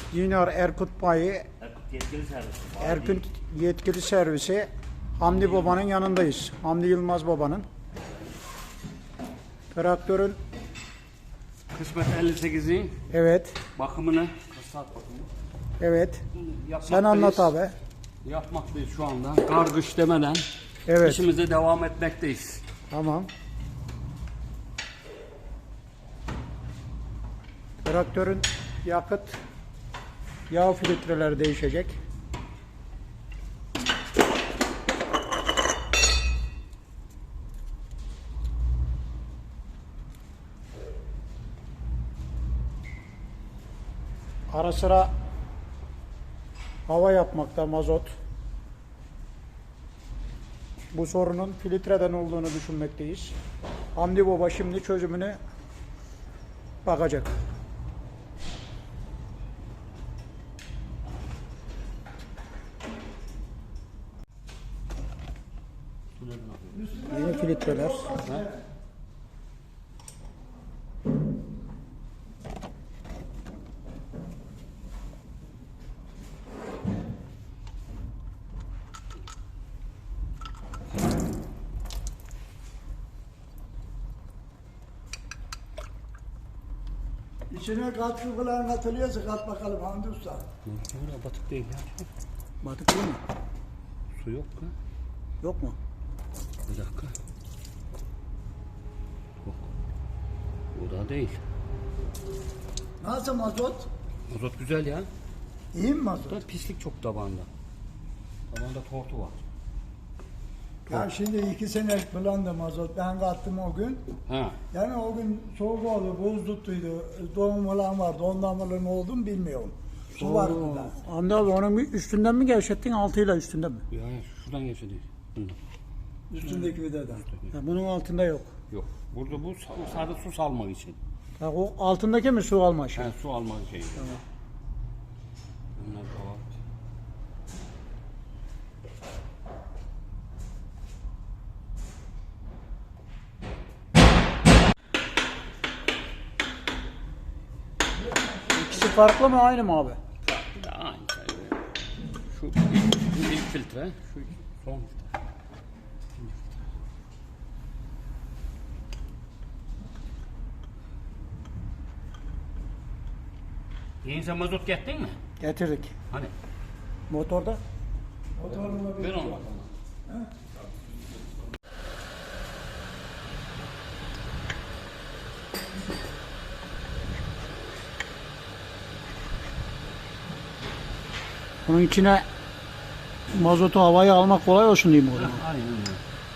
Junior Erkut Bayi, Erkut yetkili servisi. Erkut yetkili servisi Hamdi Baba'nın yanındayız. Hamdi Yılmaz Baba'nın. Traktörün Kısmet 58'in evet, bakımını, kısat bakımını evet. yapmaktayız. Sen anlat abi. Yapmaktayız şu anda. Kar kış demeden Evet. işimize devam etmekteyiz. Tamam. Traktörün yakıt, yağ filtreleri değişecek. Ara sıra hava yapmakta mazot. Bu sorunun filtreden olduğunu düşünmekteyiz. Hamdi Baba şimdi çözümüne bakacak. Yeni filtreler. İçine katkı falan katılıyorsa kat bakalım Hamdi Usta. Öyle batık değil ya. Batık değil mi? Su yok mu? Yok mu? Bir dakika. Yok. Bu da değil. Nasıl mazot? Mazot güzel ya. İyi mi mazot? Burada pislik çok tabanda. Tabanda tortu var. Ya şimdi 2 senelik falan da mazot ben kattım o gün. Ha. Yani o gün soğuk oldu, buz tuttuydu, doğum falan vardı. Ondan mı ne oldu mu bilmiyorum. Su vardı da. Hamdi abi onun üstünden mi gevşettin, altıyla üstünden mi? Ya şuradan geçti değil. Bundan. Üstündeki videden. Ya bunun altında yok. Yok. Burada bu sadece su salmak için. Ya o altındaki mi su alma şey? Yani su almak için. Tamam. Bunlar da var. İkisi farklı mı aynı mı abi? Bir de aynı şey. Şu ilk filtre, şu son filtre. Yeni sen mazot gettin mi? Getirdik. Hani? Motorda. Motorla Ver bir onu bakalım. Bunun içine mazotu, havayı almak kolay olsun diyeyim o zaman. Aynen öyle.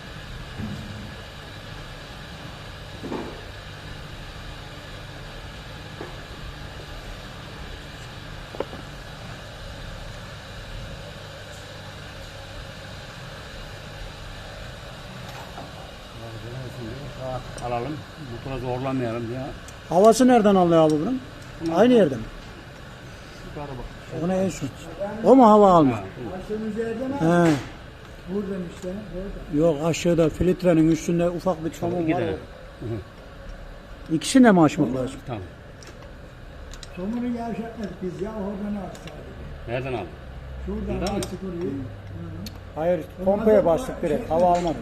Rahat alalım. Motora zorlamayalım ya. Havası nereden alıyor abi bunun? Aynı yerde mi? Yukarı bak. O ne en son? O mu hava alma? Başımız yerden al. He. Buradan işte. Burada. Yok, aşağıda filtrenin üstünde ufak bir çamur var. Gidelim. İkisini de mi açmak lazım? Tamam. Somunu gevşetmedik biz ya oradan aldık. Nereden aldın? Şuradan Buradan mı? açtık orayı. Hayır, pompaya bastık direkt. Hava almadı.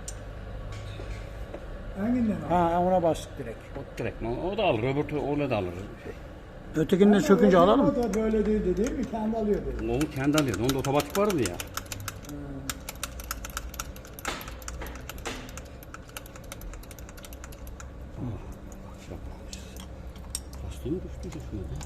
Hanginden al? Ha, ona bastık direkt. O direkt mi? O da alır. Öbür öyle de alır. Ötekini de sökünce alalım mı? O da böyle değildi değil mi? Kendi alıyor dedi. Onu kendi alıyordu. Onda otomatik vardı ya. Lastiği mi düştü düşmedi?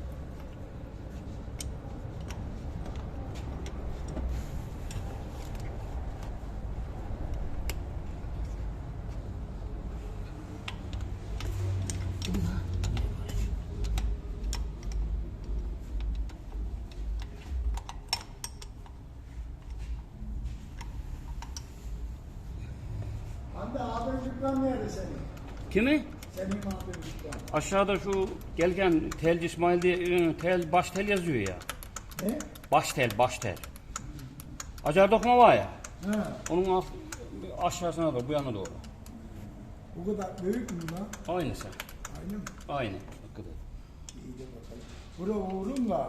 Hamdi abin dükkan nerede senin? Kimi? Senin abin dükkan. Aşağıda şu gelgen telci İsmail diye tel baş tel yazıyor ya. Ne? Baş tel. Acar dokuma var ya. Ha, Onun aşağısına doğru, bu yana doğru. bu kadar büyük mü lan? Aynısı. Aynı mı? Aynı. Hakikaten. İyi de bakalım. Buraya vurdum da.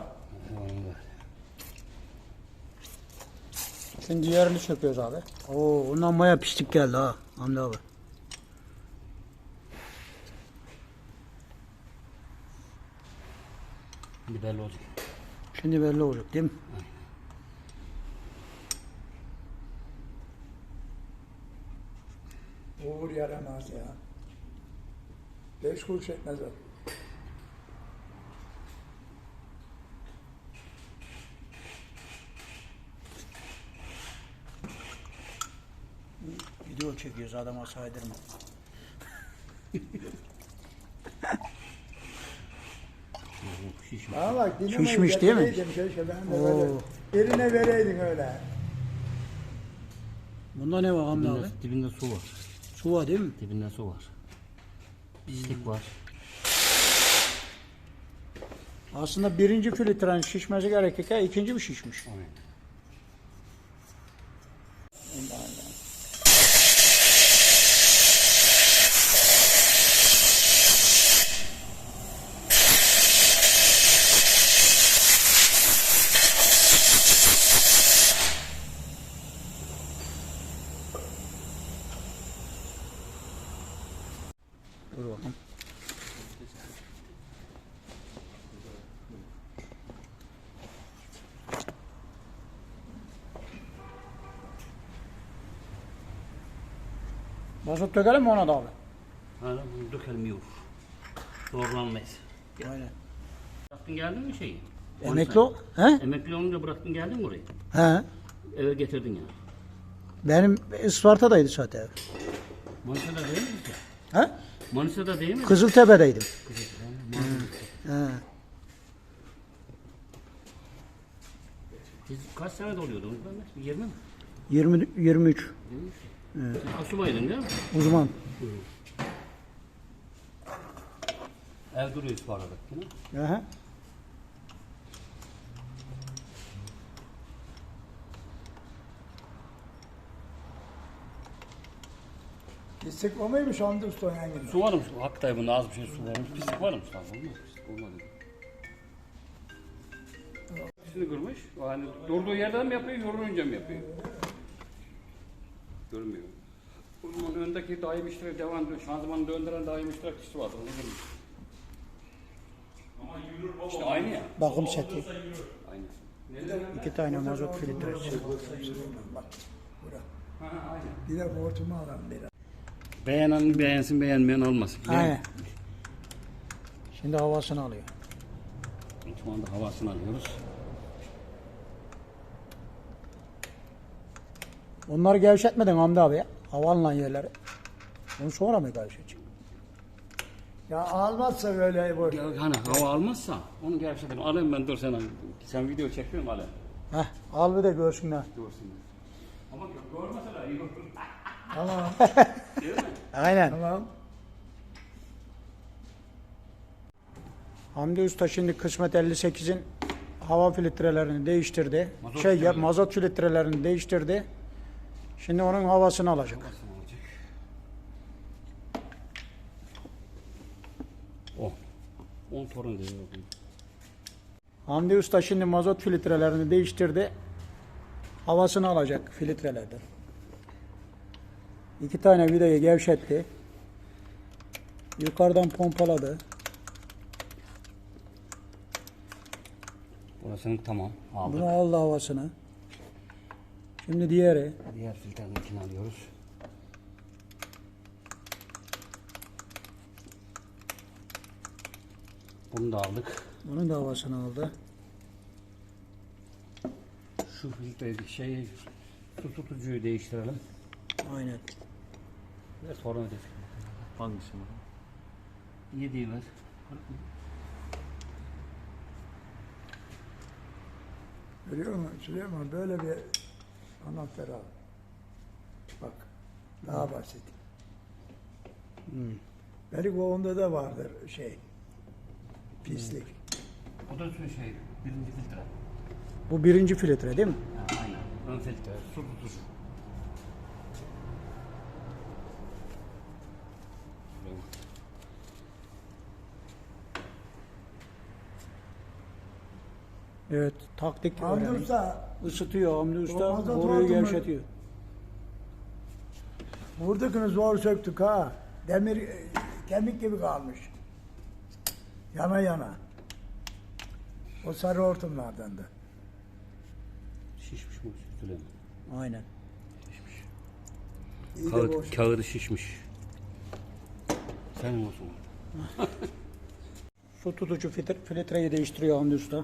Şimdi diğerini söküyoruz abi. Oo, ondan bayağı pislik geldi ha Hamdi abi. Bir belli olacak. Şimdi belli olacak değil mi? Uğur yaramaz ya. 5 kuruş etmez o. Video çekiyoruz adama saydırma. Şişmiş. Bana bak dinamayı Şişmiş değil mi? getireydim keşke ben de Oo. böyle. Birine vereydin öyle. Bunda ne var Hamdi abi? Dibinde su var. Su var değil mi? Dibinde su var. Pislik var. Aslında birinci filtrenin şişmesi gerekirken ikinci mi şişmiş? Aynen. Dur bakalım. Mazot dökelim mi ona da abi? Hala bunu dökelim yok. Zorlanmayız. Aynen. Bıraktın geldin mi şeyi? Emekli o. He? Emekli olunca bıraktın geldin mi oraya? He. Eve getirdin ya. Benim Isparta'daydı zaten ev. Manisa'da değil mi? He? Manisa'da değil mi? Kızıltepe'deydim. He. Siz kaç sene doluyordunuz? 20 mi? 20 23 Siz asubaydın değil mi? uzman. Ev duruyor bu arada. Değil mi? Aha. Pislik o muymuş Hamdi Usta yan gibi? Su var mı? Hakikaten bunda az bir şey su varmış. Pislik var mı? Olmaz. Pislik olmadı. Pisini kırmış. Yani durduğu yerden mi yapıyor, yorulunca mı yapıyor? Görmüyor. Bunun öndeki daim işleri devam ediyor. Şanzımanı döndüren daim iştirak kişisi vardı. Onu görmüş. İşte aynı ya. Bakım seti. Aynı. 2 tane mazot filtresi. Bak bura. Ha, aynen. Bir de hortumu alalım bir. Beğenen beğensin, beğenmeyen olmasın. Aynen. Şimdi havasını alıyor. Şu anda havasını alıyoruz. Onları gevşetmedin Hamdi abi ya. Havanla yerleri. Onu sonra mı gevşetecek? Ya almazsa böyle boş. Hani hava almazsa onu gevşetelim. Alayım ben dur sen video çekiyorsun alayım. Heh, al bir de görsünler. Görsünler. Ama görmeseler iyi olur. Tamam. Değil mi? Aynen. Tamam. Hamdi Usta şimdi kısmet 58'in hava filtrelerini değiştirdi. Mazot Mazot, mazot filtrelerini değiştirdi. Şimdi onun havasını alacak. Nasıl olacak? O. 10 torun diyor. Hamdi Usta şimdi mazot filtrelerini değiştirdi. Havasını alacak filtrelerden. 2 tane vidayı gevşetti. Yukarıdan pompaladı. Burasının tamam. Aldık. Bunu aldı havasını. Şimdi diğeri. Diğer filtrenin içine alıyoruz. Bunu da aldık. Bunun da havasını aldı. Şu filtreyi su tutucuyu değiştirelim. Aynen. Ve sonra ödedik. Hangisi bu? 7'yi ver. Görüyor musun Süleyman? Böyle bir anahtar al. Bak. Daha basit. Belki onda da vardır şey. Pislik. O da şu birinci filtre. Bu birinci filtre değil mi? Ha, aynen. Ön filtre, su tutucu. Evet, taktik Hamdi öğrenin. Usta Isıtıyor Hamdi Usta, Mazot boruyu vardı mı? gevşetiyor. buradakini zor söktük ha. Demir kemik gibi kalmış. Yana yana. O sarı hortumlardan da. Şişmiş bu Süleyman. Aynen. İyi de boş. Kağıdı şişmiş. Senin olsun. Su tutucu filtreyi değiştiriyor Hamdi Usta.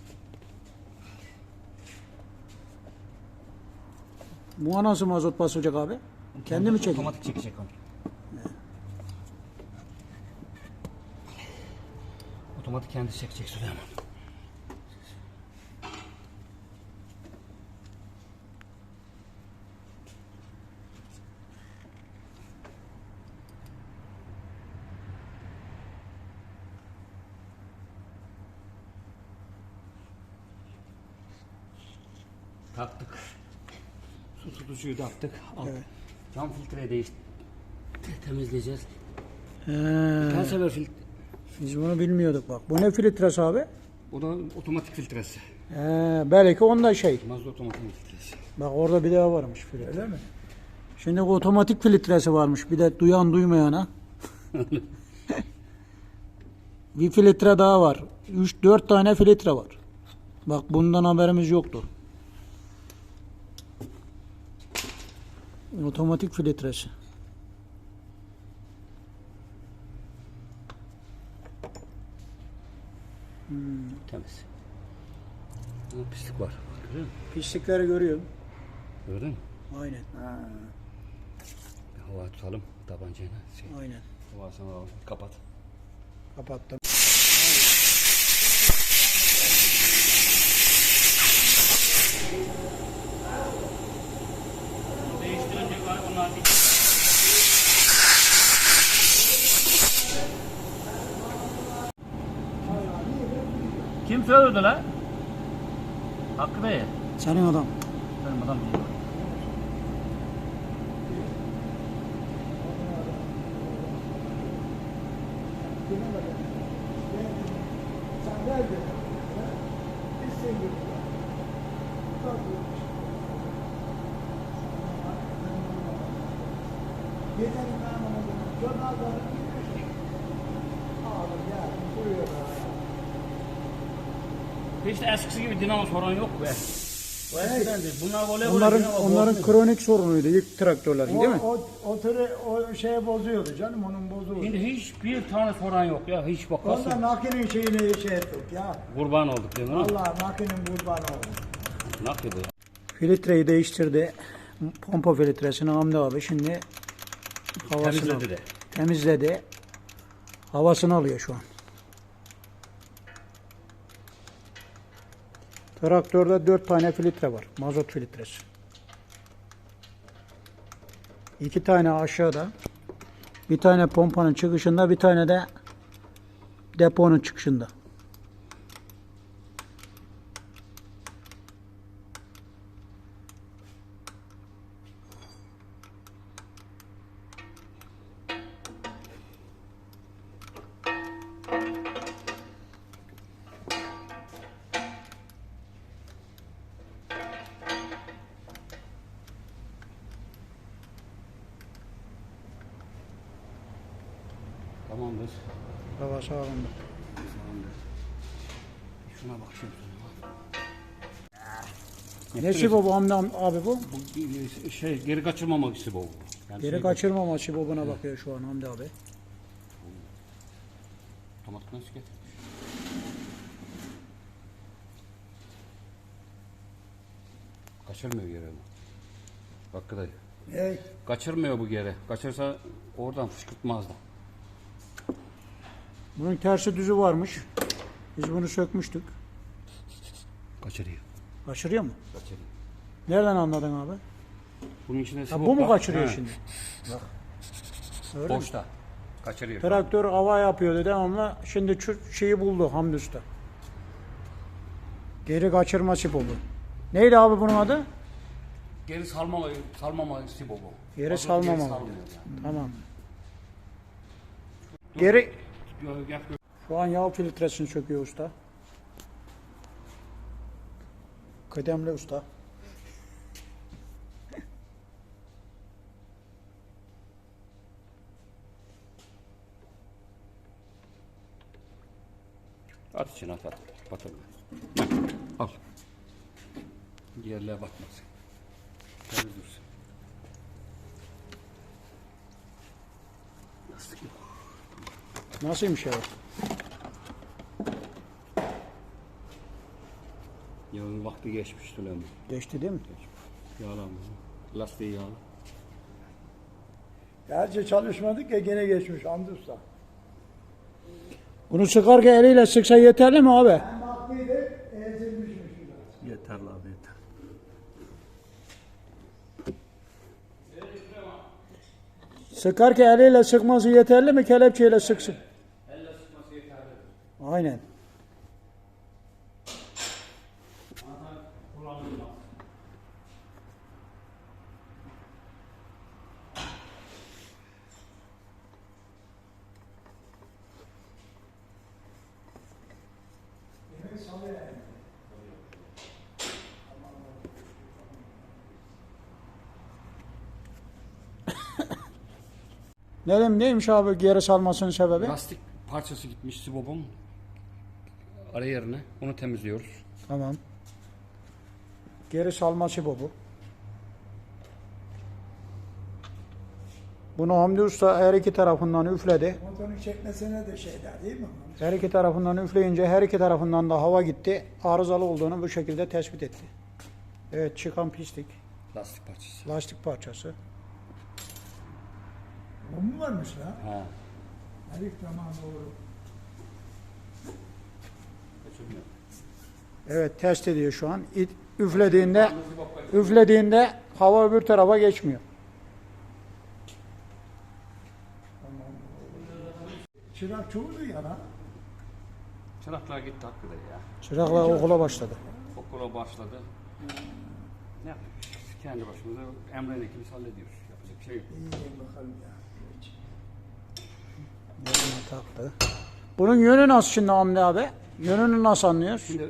Bu nasıl mazot basacak abi? Kendi mi çekiyor? Otomatik çekecek onu. Otomatik kendi çekecek Süleyman. Taktık. Su tutucuyu taktık. Al. Evet. Cam filtreyi temizleyeceğiz. He, Kaç sefer filtre? biz bunu bilmiyorduk bak. Bu ne filtresi abi? O da otomatik filtresi. He, belki onda şey. Mazot otomatik filtresi. Bak orada bir daha varmış filtre. Öyle mi? Şimdi bu otomatik filtresi varmış. Bir de duyan duymayana. Bir filtre daha var. 3-4 tane filtre var. Bak bundan haberimiz yoktu. Otomatik filtresi. Temiz. Ama pislik var. Görüyor musun? Pislikleri görüyorum. Gördün mü? Aynen. Bir hava tutalım tabancayla. Aynen. Havasını alalım. Kapat. Kapattım. Değiştirecek var bunlar. Kim söyledi lan? Hakkı Bey. Senin adam. Benim adam değil. Sen nerede? Biz seni Geçelim ben onu. Jornalları girmiş. Ağabey ya. Buyur. Hiç de eskisi gibi dinamo sorun yok be. O eskidendi. Bunlar voleybol. Onların kronik sorunuydu ilk traktörlerin değil mi? O şeye bozuyordu canım, onun bozuldu. Şimdi hiçbir tane soran yok ya. Hiç bak Ondan nasıl makinin şeyini şey ettik ya. kurban olduk değil mi? Allah makinin kurbanı oldu. Nakli bu ya. Filtreyi değiştirdi. Pompa filtresini Hamdi abi şimdi havasını Temizledi de. temizledi. Havasını alıyor şu an. Traktörde 4 tane filtre var. Mazot filtresi. 2 tane aşağıda. Bir tane pompanın çıkışında, bir tane de deponun çıkışında. Tamamdır. Hava sağlamda. Tamamdır. Şuna bak şimdi. Nesi bu Hamdi abi bu? Bu şey geri kaçırmamak için bu. Yani Geri şey, kaçırmama bobuna bakıyor şu an Hamdi abi. otomatik nasıl getirmiş? Kaçırmıyor geri bu. Hakkı dayı. Hey, Kaçırmıyor bu geri. Kaçırsa oradan fışkırtmazdı. Bunun tersi düzü varmış. Biz bunu sökmüştük. Kaçırıyor. Kaçırıyor mu? Kaçırıyor. Nereden anladın abi? Bunun içinde Ha, sibop bu mu var. kaçırıyor He, şimdi? Öyle mi? Boşta. Kaçırıyor. Traktör hava yapıyordu devamlı. Şimdi şu şeyi buldu Hamdi Usta. Geri kaçırma sibobu. Neydi abi bunun adı? Geri salmama sibobu. Geri Mazot salmama. salmıyor yani. Tamam. Geri Gel. şu an yağ filtresini söküyor usta. Kıdemli usta. At içine at. Batırma. Al. Yerliğe batmasın. Temiz dursun. Yastık yok. Nasılmış ya? Yağın vakti geçmiş Süleyman. Geçti değil mi? Yağlanma. Lastiği yağlı. Gerçi çalışmadık ya gene geçmiş Hamdi Usta. Bunu sıkarken eliyle sıksa yeterli mi abi? Hem haklıydı, ezilmişmiş biraz. Yeter abi yeter. Sıkarken eliyle sıkması yeterli mi? Kelepçeyle sıksın. Elle sıkması yeterli. Aynen. Anahtar kullanılmaz. Demek salı yani. Neymiş abi geri salmasının sebebi? Lastik parçası gitmiş sibobun ara yerine. Onu temizliyoruz. Tamam. Geri salması bu. Bunu Hamdi Usta her iki tarafından üfledi. Motorun çekmesine de şeyler değil mi? Her iki tarafından üfleyince her iki tarafından da hava gitti. Arızalı olduğunu bu şekilde tespit etti. Evet, çıkan pislik, Lastik parçası. lastik parçası. O mu varmış lan? Ha. Herif tamam doğru. Kaçırmıyor. Evet, test ediyor şu an. Üflediğinde hava öbür tarafa geçmiyor. Çırak çoğuldu ya lan. Çıraklar gitti hakikaten ya. Çıraklar okula başladı. Okula başladı. Ne yapıyoruz? Kendi başımıza Emre'yle ikimiz hallediyoruz. Yapacak bir şey yok. İyi bakalım ya. Yerine taktı. Bunun yönü nasıl şimdi Hamdi abi? Yönünü nasıl anlıyoruz? Şimdi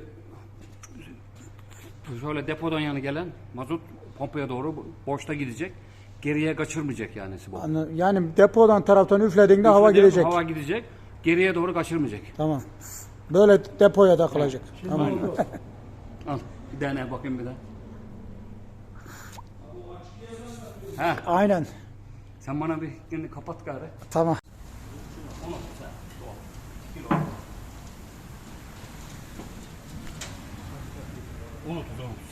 şöyle depodan yana gelen mazot pompaya doğru boşta gidecek. Geriye kaçırmayacak yani bu. Yani depodan taraftan üflediğinde hava gidecek. Hava gidecek. Geriye doğru kaçırmayacak. Tamam. Böyle depoya takılacak. Tamam. Al. Bir dene bakayım bir daha. Ha, Aynen. sen bana bir kendini kapat gari. Tamam. Unut.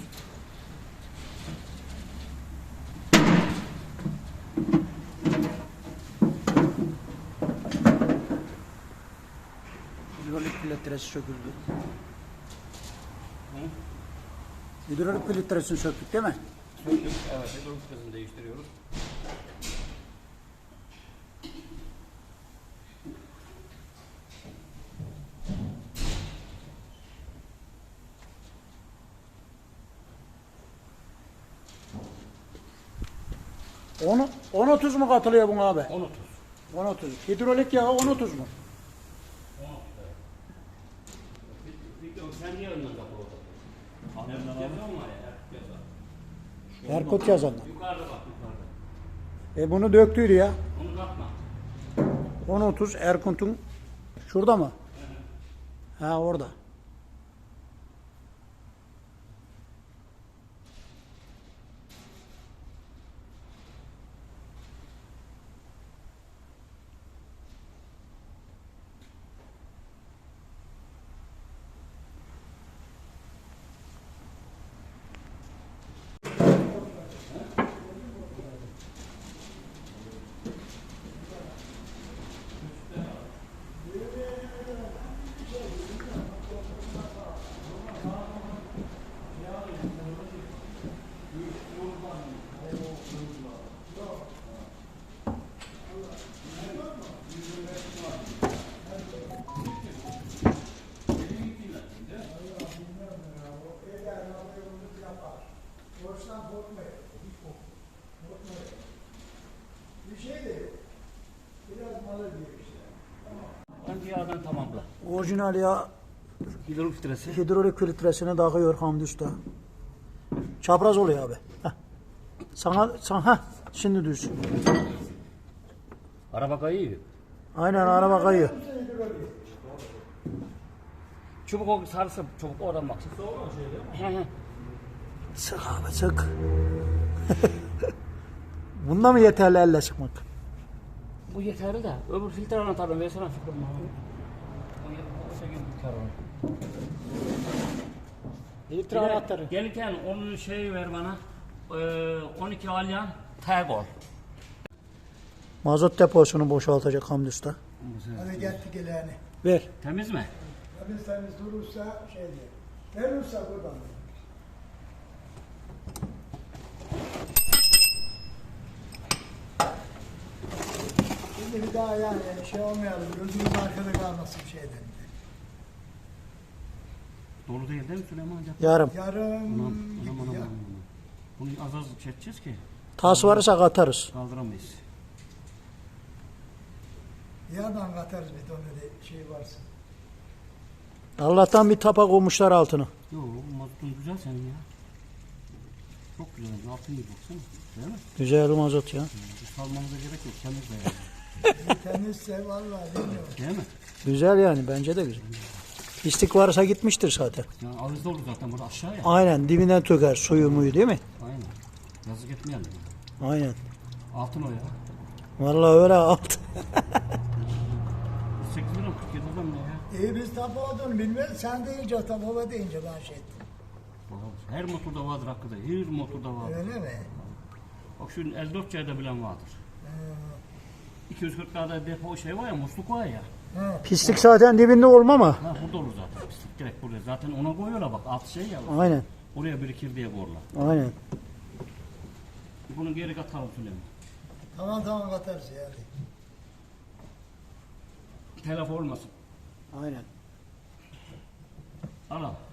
Hidrolik filtresi söküldü. Hidrolik filtresini söktük değil mi? Evet, hidrolik filtresini değiştiriyoruz. Onu 10-30 mu katılıyor buna abi? 10-30. 10-30. Hidrolik yağı 10-30 mu? Kendi yanından kapı orada. Yazıyor mu ya? Erkut yazanlar. Yukarıda bak yukarıda. Bunu döktüydü ya. Onu katma. 10-30 Erkunt'un şurada mı? Ha orada. Borçtan korkmayın. Hiç korkmayın. Bir şey de yok. Biraz malı diyor işte. Önce yağdan tamamla. Orijinal yağ Hidrolik filtresi. hidrolik filtresini takıyor Hamdi Usta. Çapraz oluyor abi. Heh. Sana şimdi düz. Araba kayıyor. Aynen araba kayıyor. Çubuk o sarısı çubuk oradan baksın. He he. Sık abi sık. Bunda mı yeterli elle sıkmak? Bu yeterli de öbür filtre anahtarını versene Fikrim bana. O gibi bir kar var. Filtre anahtarı. Gelirken onun şeyi ver bana. 12 alyan Tagol. Mazot deposunu boşaltacak Hamdi Usta. Hadi geldik ilerini. Ver. Temiz mi? Temiz durursa şey diyor. Verirse buradan. Şimdi bir daha yani şey olmayalım. Gözümüz arkada kalmasın şeyden. Dolu değil mi Süleyman Hocam? Yarım. Yarım Anam. Bunu az az çekeceğiz ki Tas varsa katarız. kaldıramayız. yardan katarız bir tane de şey varsa. Allah'tan bir tapa koymuşlar altını. Yo mazotun güzel senin ya. Çok güzel. Altın gibi baksana. Değil mi? Güzel mazot ya. Salmamıza gerek yok. Temiz de yani. Temizse vallahi bilmiyorum. Değil mi? Güzel yani bence de güzel. Pislik varsa gitmiştir zaten. Yani ağızda olur zaten burada aşağıya. Aynen dibinden töker suyu muyu değil mi? Aynen. Yazık etmeyelim. Aynen. Altın o ya. Vallahi öyle alt. 8 lira 47 adam ne ya? İyi biz tapu olduğunu bilmiyoruz. Sen deyince tapu deyince ben şey ettim. Her motorda vardır hakkında. Her motorda vardır. Öyle mi? Bak şu 54C'de bilen vardır. 240'larda depo şey var ya, musluk var ya. Pislik zaten dibinde olma mı? Ha burada olur zaten. Pislik direkt buraya. Zaten ona koyuyorlar bak. Alt şey ya. Aynen. Oraya birikir diye koyarlar. Aynen. Bunu geri katalım Süleyman. Tamam katarız yani. Telef olmasın. Aynen. Al al.